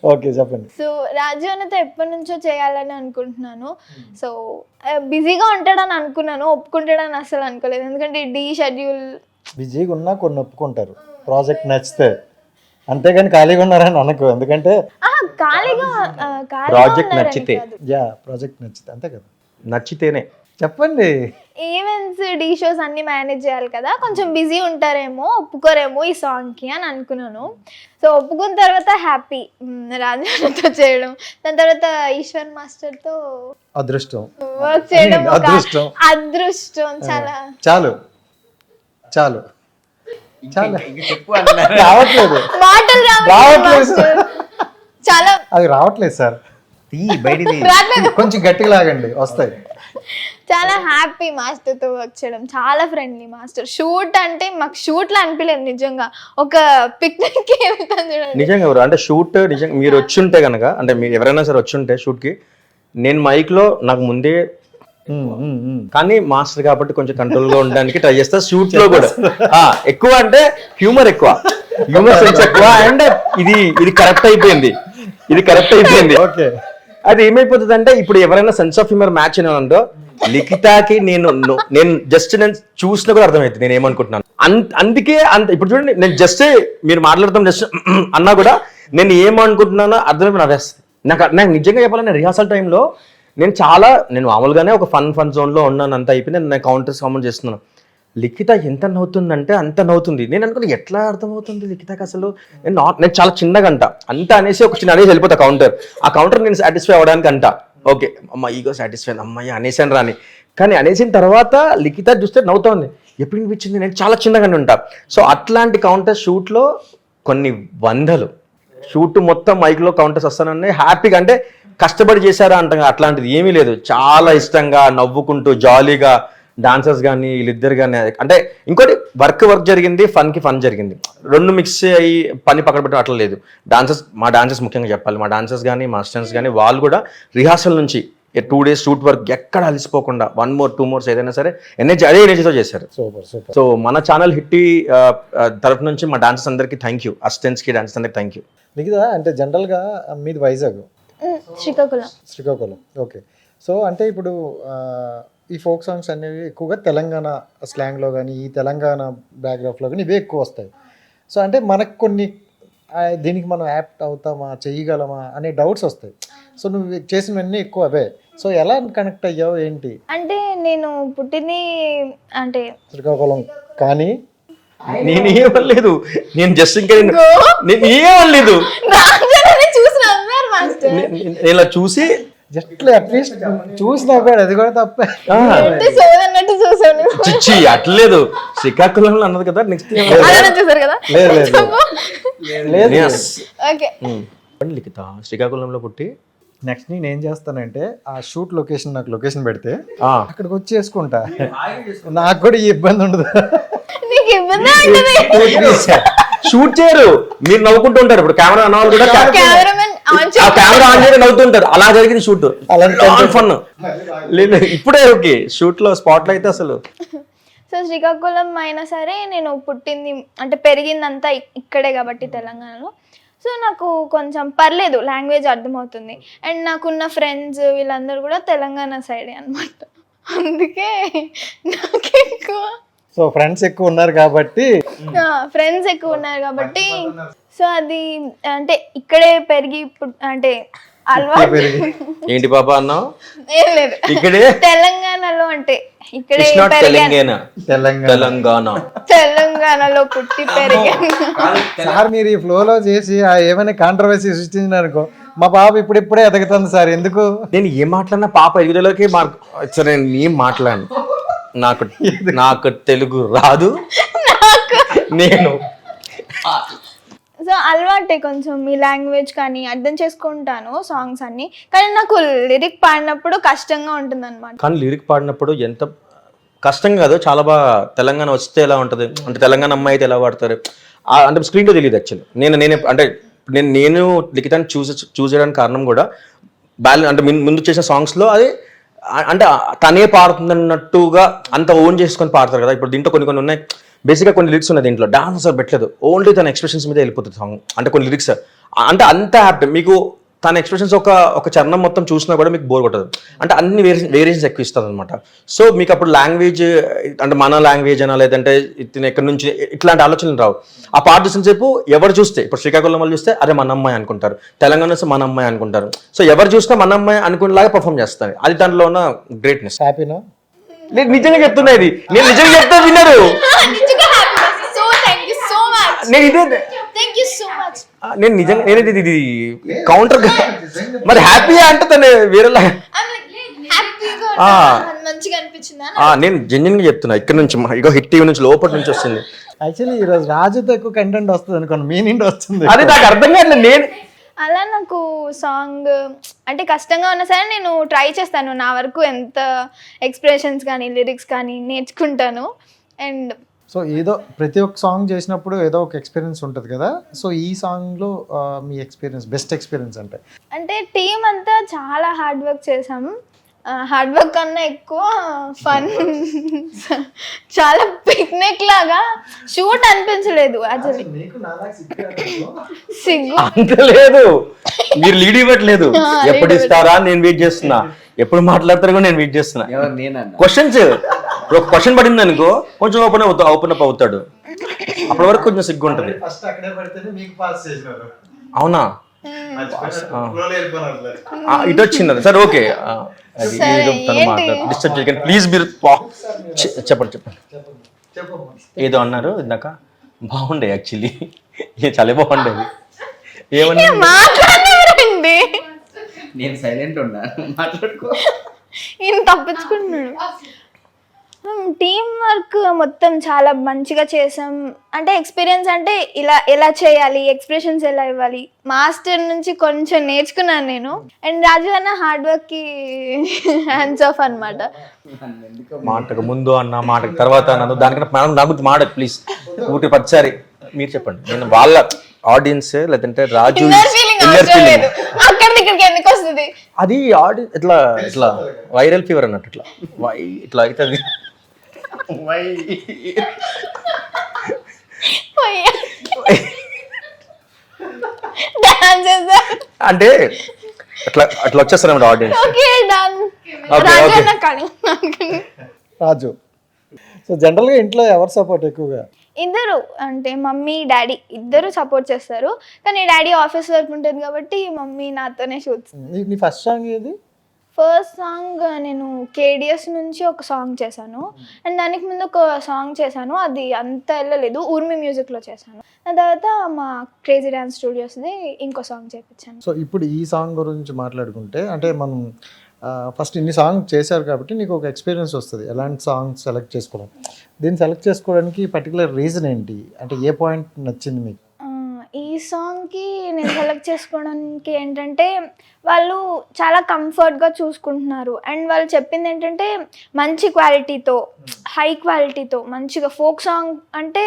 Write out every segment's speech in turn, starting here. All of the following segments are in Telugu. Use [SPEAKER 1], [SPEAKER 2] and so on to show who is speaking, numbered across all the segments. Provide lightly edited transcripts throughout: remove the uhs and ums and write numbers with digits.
[SPEAKER 1] ఓకే చెప్పండి.
[SPEAKER 2] సో రాజు అన్నతో ఎప్పటి నుంచో చేయాలని అనుకుంటున్నాను. సో బిజీగా ఉంటాడని అనుకున్నాను, ఒప్పుకుంటాడని అసలు అనుకోలేదు. ఎందుకంటే డీ షెడ్యూల్
[SPEAKER 1] బిజీగా ఉన్నా కొన్ని ఒప్పుకుంటారు ప్రాజెక్ట్ నచ్చితే, అంతేగాని ఖాళీగా ఉన్నారని అనకు. ఎందుకంటే
[SPEAKER 2] ఖాళీగా
[SPEAKER 3] ప్రాజెక్ట్ నచ్చితే
[SPEAKER 1] ప్రాజెక్ట్ నచ్చితే అంతే కదా,
[SPEAKER 3] నచ్చితేనే
[SPEAKER 1] చెప్పండి.
[SPEAKER 2] ఈవెంట్స్ డీ షోస్ అన్ని మేనేజ్ చేయాలి కదా, కొంచెం బిజీ ఉంటారేమో, ఒప్పుకోరేమో ఈ సాంగ్కి అని అనుకున్నాను. సో ఒప్పుకున్న తర్వాత హ్యాపీ రాజాతో చేయడం, దాని తర్వాత ఈశ్వర్ మాస్టర్తో
[SPEAKER 1] అదృష్టం
[SPEAKER 2] వర్క్ చేయడం ఒక
[SPEAKER 1] అదృష్టం.
[SPEAKER 2] అదృష్టం. చాలా
[SPEAKER 1] చాలు చాలు చాలా
[SPEAKER 3] చెప్పు
[SPEAKER 1] రావట్లేదు
[SPEAKER 2] మాటలు
[SPEAKER 1] రావట్లేదు.
[SPEAKER 2] చాలా
[SPEAKER 1] అది రావట్లేదు సార్,
[SPEAKER 3] బయటిది
[SPEAKER 2] రావట్లేదు.
[SPEAKER 1] కొంచెం గట్టిగా లాగండి వస్తాయి.
[SPEAKER 2] చాలా హ్యాపీ మాస్టర్తో వర్క్ చేయడం, చాలా ఫ్రెండ్లీ మాస్టర్. షూట్ అంటే మాకు షూట్లో అనిపించలేదు నిజంగా, ఒక పిక్నిక్కి వెళ్తాను చూడండి.
[SPEAKER 3] నిజంగా ఎవరు అంటే షూట్ నిజంగా మీరు వచ్చి ఉంటే కనుక, అంటే మీరు ఎవరైనా సరే వచ్చి ఉంటే షూట్కి, నేను మైక్లో నాకు ముందే కానీ మాస్టర్ కాబట్టి కొంచెం కంట్రోల్గా ఉండడానికి ట్రై చేస్తా. షూట్లో కూడా ఎక్కువ అంటే హ్యూమర్ సెన్స్ ఎక్కువ. అండ్ ఇది కరెక్ట్ అయిపోయింది,
[SPEAKER 1] ఓకే.
[SPEAKER 3] అది ఏమైపోతుంది అంటే, ఇప్పుడు ఎవరైనా సెన్స్ ఆఫ్ హ్యూమర్ మ్యాచ్ అయినందో లిఖితాకి నేను జస్ట్ నేను చూసినా కూడా అర్థమవుతుంది నేను ఏమనుకుంటున్నాను. అందుకే ఇప్పుడు చూడండి, నేను జస్ట్ మీరు మాట్లాడతాం జస్ట్ అన్నా కూడా నేను ఏమనుకుంటున్నానో అర్థమైపోయి నవ్వేస్తుంది. నాకు నిజంగా చెప్పాలంటే రిహార్సల్ టైంలో నేను మామూలుగానే ఒక ఫన్ జోన్లో ఉన్నాను, అంత అయిపోయింది. నేను కౌంటర్స్ కామెంట్ చేస్తున్నాను. లిఖిత ఎంత నవ్వుతుందంటే అంత నవ్వుతుంది. నేను అనుకున్నా ఎట్లా అర్థమవుతుంది లిఖితకి అసలు. నేను చాలా చిన్నగా అంత అనేసి ఒక చిన్న అనేసి వెళ్ళిపోతా ఆ కౌంటర్ నేను సాటిస్ఫై అవ్వడానికి ఓకే అమ్మ ఈగో సాటిస్ఫై అమ్మాయి అనేసాను రాని. కానీ అనేసిన తర్వాత లిఖిత చూస్తే నవ్వుతోంది. ఎప్పుడు అనిపించింది నేను చాలా చిన్నగానే ఉంటా. సో అట్లాంటి కౌంటర్స్ షూట్లో కొన్ని వందలు, షూట్ మొత్తం మైక్లో కౌంటర్స్ వస్తానని హ్యాపీగా, అంటే కష్టపడి చేశారా అంటాం, అట్లాంటిది ఏమీ లేదు. చాలా ఇష్టంగా నవ్వుకుంటూ జాలీగా డాన్సర్స్ కానీ వీళ్ళిద్దరు కానీ, అంటే ఇంకోటి వర్క్ జరిగింది, ఫన్ జరిగింది, రెండు మిక్స్ అయ్యి పని పక్కన పెట్టడం అట్లా లేదు. మా డాన్సర్స్ ముఖ్యంగా చెప్పాలి, మా డాన్సర్స్ కానీ మా స్టూడెంట్స్ కానీ వాళ్ళు కూడా రిహార్సల్ నుంచి 2 days షూట్ వర్క్ ఎక్కడ అలసిపోకుండా 1 more 2 more ఏదైనా సరే అదే ఎనర్జీతో చేశారు. సో మన ఛానల్ హిట్టి తరఫు నుంచి మా డాన్సర్స్ అందరికీ థ్యాంక్ యూ, అసిస్టెంట్స్కి డాన్సర్స్ అందరికీ థ్యాంక్ యూ.
[SPEAKER 1] మిగతా అంటే జనరల్గా మీది వైజాగ్, శ్రీకాకుళం. ఓకే. సో అంటే ఇప్పుడు ఈ ఫోక్ సాంగ్స్ అనేవి ఎక్కువగా తెలంగాణ స్లాంగ్లో కానీ ఈ తెలంగాణ బ్యాక్గ్రౌండ్లో కానీ ఇవే ఎక్కువ వస్తాయి. సో అంటే మనకు కొన్ని దీనికి మనం యాప్ట్ అవుతామా, చేయగలమా అనే డౌట్స్ వస్తాయి. సో నువ్వు చేసినవన్నీ ఎక్కువ అవే. సో ఎలా కనెక్ట్ అయ్యావు ఏంటి?
[SPEAKER 2] అంటే నేను పుట్టింది అంటే
[SPEAKER 1] శ్రీకాకుళం, కానీ
[SPEAKER 3] నేను ఏమనలేదు, నేను జస్ట్ ఇంకా నేను ఏమనలేదు, ఇలా చూసి
[SPEAKER 1] జస్ట్ అట్లీస్ట్ చూసినా అది కూడా తప్పే.
[SPEAKER 3] చిచ్చి అట్లేదు, శ్రీకాకుళంలో అన్నది కదా. నెక్స్ట్ లిఖిత శ్రీకాకుళంలో పుట్టి
[SPEAKER 1] నెక్స్ట్ నేను ఏం చేస్తానంటే ఆ షూట్ లొకేషన్ నాకు లొకేషన్ పెడితే అక్కడికి వచ్చి చేసుకుంటా, నాకు కూడా ఈ ఇబ్బంది ఉండదు.
[SPEAKER 3] షూట్ చేయరు, మీరు నవ్వుకుంటూ ఉంటారు. ఇప్పుడు కెమెరా అన్న వాళ్ళు కూడా కెమెరా ఆన్ చేసి నవ్వుతుంటారు. అలా జరిగింది షూట్, ఫన్ లేదు. ఇప్పుడే ఓకే షూట్ లో స్పాట్ లో అయితే అసలు.
[SPEAKER 2] సో శ్రీకాకుళం అయినా సరే నేను పుట్టింది అంటే పెరిగిందంతా ఇక్కడే కాబట్టి తెలంగాణలో. సో నాకు కొంచెం పర్లేదు, లాంగ్వేజ్ అర్థమవుతుంది. అండ్ నాకున్న ఫ్రెండ్స్ వీళ్ళందరూ కూడా తెలంగాణ సైడే అనమాట. అందుకే నాకు ఎక్కువ
[SPEAKER 1] ఫ్రెండ్స్ ఎక్కువ ఉన్నారు కాబట్టి
[SPEAKER 2] సో అది అంటే ఇక్కడే పెరిగి అంటే అలవాటు.
[SPEAKER 3] ఏంటి పాప అన్నావు?
[SPEAKER 2] ఏం లేదు,
[SPEAKER 3] ఇక్కడే
[SPEAKER 2] తెలంగాణలో అంటే ఇక్కడే తెలంగాణలో పుట్టి పెరిగాను.
[SPEAKER 1] సార్ మీరు ఈ ఫ్లోలో చేసి ఏమైనా కాంట్రవర్సీ సృష్టించినారనుకో, మా బాబు ఇప్పుడిప్పుడే ఎదగుతుంది సార్. ఎందుకు
[SPEAKER 3] నేను ఏం మాట్లాడినా పాప ఎదుగుదలకి సరే నేను ఏం మాట్లాడను, నాకు తెలుగు రాదు. నేను
[SPEAKER 2] సో అలవాటే కొంచెం ఈ లాంగ్వేజ్ కానీ అర్థం చేసుకుంటాను సాంగ్స్ అన్ని. కానీ నాకు లిరిక్ పాడినప్పుడు కష్టంగా ఉంటుంది అనమాట.
[SPEAKER 3] కానీ లిరిక్ పాడినప్పుడు ఎంత కష్టంగా కాదు, చాలా బాగా తెలంగాణ వస్తే ఎలా ఉంటుంది అంటే తెలంగాణ అమ్మాయి అయితే ఎలా పాడతారు అంటే స్క్రీన్లో తెలియదు. యాక్చువల్లీ నేనే అంటే నేను లిఖితాన్ని చూస్ చేయడానికి కారణం కూడా అంటే ముందు చేసిన సాంగ్స్లో అది అంటే తనే పాడుతున్నట్టుగా అంత ఓన్ చేసుకొని పాడతారు కదా. ఇప్పుడు దీంట్లో కొన్ని ఉన్నాయి, బేసిక్గా కొన్ని లిరిక్స్ ఉన్నాయి దీంట్లో, డాన్స్ అసలు పెట్టలేదు, ఓన్లీ తన ఎక్స్ప్రెషన్స్ మీద వెళ్ళిపోతుంది సాంగ్. అంటే కొన్ని లిరిక్స్ అంటే అంత హ్యాపీ మీకు తన ఎక్స్ప్రెషన్స్ ఒక చరణం మొత్తం చూసినా కూడా మీకు బోర్ కొట్టదు. అంటే అన్ని వేరియేషన్స్ ఎక్కువ ఇస్తుంది అనమాట. సో మీకు అప్పుడు లాంగ్వేజ్ అంటే మన లాంగ్వేజ్ అనా లేదంటే ఇతను ఎక్కడి నుంచి ఇట్లాంటి ఆలోచనలు రావు. ఆ పాట చూసిన సేపు ఎవరు చూస్తే ఇప్పుడు శ్రీకాకుళం వాళ్ళు చూస్తే అరే మన అమ్మాయి అనుకుంటారు, తెలంగాణ వస్తే మన అమ్మాయి అనుకుంటారు. సో ఎవరు చూసినా మన అమ్మాయి అనుకునేలాగా పర్ఫామ్ చేస్తారు. అది దాంట్లో ఉన్న గ్రేట్నెస్.
[SPEAKER 1] హ్యాపీనా?
[SPEAKER 3] నేను నిజంగా చెప్తున్నా, ఇది నేను నిజంగా చెప్తా విన్నారు. నేను ఇదే నేను నిజంగా నేను ఇది కౌంటర్ మరి హ్యాపీ అంటే తను వేరేలా నేను జెన్యున్ గా చెప్తున్నా. ఇక్కడ నుంచి ఇగో హిట్ టీవీ నుంచి లోపల నుంచి వస్తుంది.
[SPEAKER 1] యాక్చువల్లీ ఈరోజు రాజుతో ఎక్కువ కంటెంట్ వస్తుంది అనుకోండి, మీ నుండి వస్తుంది.
[SPEAKER 3] అది నాకు అర్థం కాదు. నేను
[SPEAKER 2] అలా నాకు సాంగ్ అంటే కష్టంగా ఉన్నా సరే నేను ట్రై చేస్తాను. నా వరకు ఎంత ఎక్స్ప్రెషన్స్ కానీ లిరిక్స్ కానీ నేర్చుకుంటాను. అండ్
[SPEAKER 1] సో ఏదో ప్రతి ఒక్క సాంగ్ చేసినప్పుడు ఏదో ఒక ఎక్స్పీరియన్స్ ఉంటుంది కదా. సో ఈ సాంగ్లో మీ ఎక్స్పీరియన్స్, బెస్ట్ ఎక్స్పీరియన్స్ అంటే
[SPEAKER 2] టీం అంతా చాలా హార్డ్ వర్క్ చేసాము. హార్డ్ వర్క్ కన్నా ఎక్కువ ఫన్, చాలా పిక్నిక్ లాగా. షూట్ అనిపించలేదు యాక్చువల్లీ, సిగ్గు
[SPEAKER 3] అంత లేదు. మీరు లీడ్ ఇవ్వట్లేదు. ఎప్పుడు ఇస్తారా నేను వెయిట్ చేస్తున్నా, ఎప్పుడు మాట్లాడతారు కూడా నేను వెయిట్ చేస్తున్నా. క్వశ్చన్స్ ఒక క్వశ్చన్ పడింది అనుకో కొంచెం ఓపెన్ అప్ అవుతాడు. అప్పటి వరకు కొంచెం సిగ్గు ఉంటుంది. అవునా? ఇటు వచ్చింది సార్. ఓకే డిస్టర్బ్ చేయకండి ప్లీజ్. మీరు చెప్పండి. ఏదో అన్నారు ఇందాక, బాగుండే యాక్చువల్లీ, చాలా బాగుండేది. ఏమన్నా
[SPEAKER 2] మాట్లాడండి,
[SPEAKER 4] నేను సైలెంట్ ఉన్నాను, మాట్లాడుకో.
[SPEAKER 2] ఈయన తప్పించుకుంటున్నాడు. టీం వర్క్ మొత్తం చాలా మంచిగా చేసాం. అంటే ఎక్స్పీరియన్స్ అంటే ఇలా ఎలా చేయాలి, ఎక్స్ప్రెషన్స్ ఎలా ఇవ్వాలి, మాస్టర్ నుంచి కొంచెం నేర్చుకున్నాను నేను. అండ్ రాజు అన్న హార్డ్ వర్క్ కి హ్యాండ్స్ ఆఫ్ అన్నమాట.
[SPEAKER 3] మాటకు ముందు అన్న మాటకు తర్వాత అన్న దానికన్నా నా గురించి మాట ప్లీజ్. ఊటి పచ్చారి మీరు చెప్పండి. నేను వాళ్ళ ఆడియన్స్ లేదంటే రాజు
[SPEAKER 2] అక్కడ ఇక్కడికి ఎందుకు వస్తుంది
[SPEAKER 3] అది ఆడియన్స్ ఇట్లా వైరల్ ఫీవర్ అన్నట్టు ఇట్లా అవుతుంది. అంటే అట్లా వచ్చేస్తారు ఆడియన్స్.
[SPEAKER 1] రాజు, సో జనరల్గా ఇంట్లో ఎవరు సపోర్ట్ ఎక్కువగా?
[SPEAKER 2] ఇద్దరు, అంటే మమ్మీ డాడీ ఇద్దరు సపోర్ట్ చేస్తారు. కానీ డాడీ ఆఫీస్ వర్క్ ఉంటుంది కాబట్టి మమ్మీ నాతోనే షూట్స్.
[SPEAKER 1] నీ ఫస్ట్ సాంగ్ ఏది?
[SPEAKER 2] ఫస్ట్ సాంగ్ నేను కేడిఎస్ నుంచి ఒక సాంగ్ చేశాను. అండ్ దానికి ముందు ఒక సాంగ్ చేశాను, అది అంత వెళ్ళలేదు, ఊర్మి మ్యూజిక్లో చేశాను. దాని తర్వాత మా క్రేజీ డ్యాన్స్ స్టూడియోస్ది ఇంకో సాంగ్ చేయించాను.
[SPEAKER 1] సో ఇప్పుడు ఈ సాంగ్ గురించి మాట్లాడుకుంటే, అంటే మనం ఫస్ట్ ఇన్ని సాంగ్ చేశారు కాబట్టి నీకు ఒక ఎక్స్పీరియన్స్ వస్తుంది ఎలాంటి సాంగ్ సెలెక్ట్ చేసుకోవడం. దీన్ని సెలెక్ట్ చేసుకోవడానికి పర్టికులర్ రీజన్ ఏంటి? అంటే ఏ పాయింట్ నచ్చింది మీకు?
[SPEAKER 2] ఈ సాంగ్కి నేను సెలెక్ట్ చేసుకోవడానికి ఏంటంటే వాళ్ళు చాలా కంఫర్ట్గా చూసుకుంటున్నారు. అండ్ వాళ్ళు చెప్పింది ఏంటంటే మంచి క్వాలిటీతో, హై క్వాలిటీతో మంచిగా ఫోక్ సాంగ్ అంటే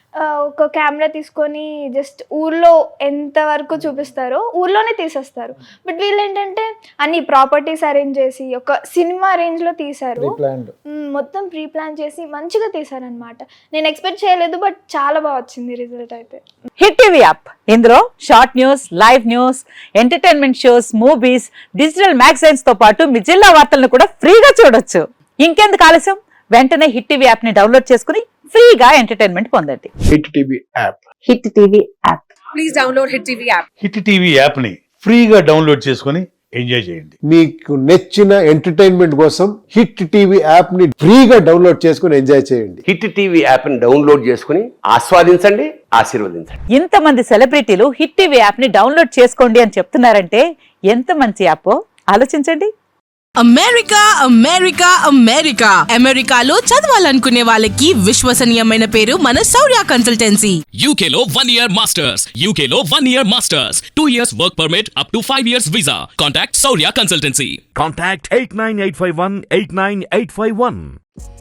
[SPEAKER 2] ఒక కెమెరా తీసుకొని జస్ట్ ఊర్లో ఎంతవరకు చూపిస్తారో ఊర్లోనే తీసేస్తారు. బట్ వీళ్ళు ఏంటంటే అన్ని ప్రాపర్టీస్ అరేంజ్ చేసి ఒక సినిమా రేంజ్లో తీశారు. మొత్తం ప్రీ ప్లాన్ చేసి మంచిగా తీశారనమాట. నేను ఎక్స్పెక్ట్ చేయలేదు, బట్ చాలా బాగా వచ్చింది రిజల్ట్ అయితే.
[SPEAKER 5] హిట్ టీవీ యాప్, ఇందులో short news, live news, entertainment shows, movies, digital magazines తో పాటు మీ జిల్లా వార్తలను కూడా ఫ్రీగా చూడొచ్చు. ఇంకెందుకు ఆలస్యం, వెంటనే హిట్ టీవీ యాప్ ని డౌన్లోడ్ చేసుకుని ఫ్రీగా ఎంటర్టైన్మెంట్ పొందండి.
[SPEAKER 6] Hit TV app.
[SPEAKER 5] Hit TV app.
[SPEAKER 7] Please download hit TV app.
[SPEAKER 6] Hit TV app ని ఫ్రీగా డౌన్లోడ్ చేసుకొని ఎంజాయ్ చేయండి.
[SPEAKER 8] మీకు నచ్చిన ఎంటర్టైన్మెంట్ కోసం హిట్ టీవీ యాప్ ని ఫ్రీగా డౌన్లోడ్ చేసుకొని ఎంజాయ్ చేయండి.
[SPEAKER 9] హిట్ టీవీ యాప్ ని డౌన్లోడ్ చేసుకుని ఆస్వాదించండి, ఆశీర్వదించండి.
[SPEAKER 5] ఇంతమంది సెలబ్రిటీలు హిట్ టీవీ యాప్ ని డౌన్లోడ్ చేసుకోండి అని చెప్తున్నారంటే ఎంత మంచి యాప్ ఆలోచించండి.
[SPEAKER 7] అమెరికా అమెరికా అమెరికా అమెరికాలో చదవాలనుకునే వాళ్ళకి విశ్వసనీయమైన పేరు మన శౌర్య కన్సల్టెన్సీ.
[SPEAKER 10] UK లో 1 year masters. UK లో 1 year masters. 2 years work permit up to 5 years visa. Contact Saurya Consultancy.
[SPEAKER 11] Contact 89851 89851.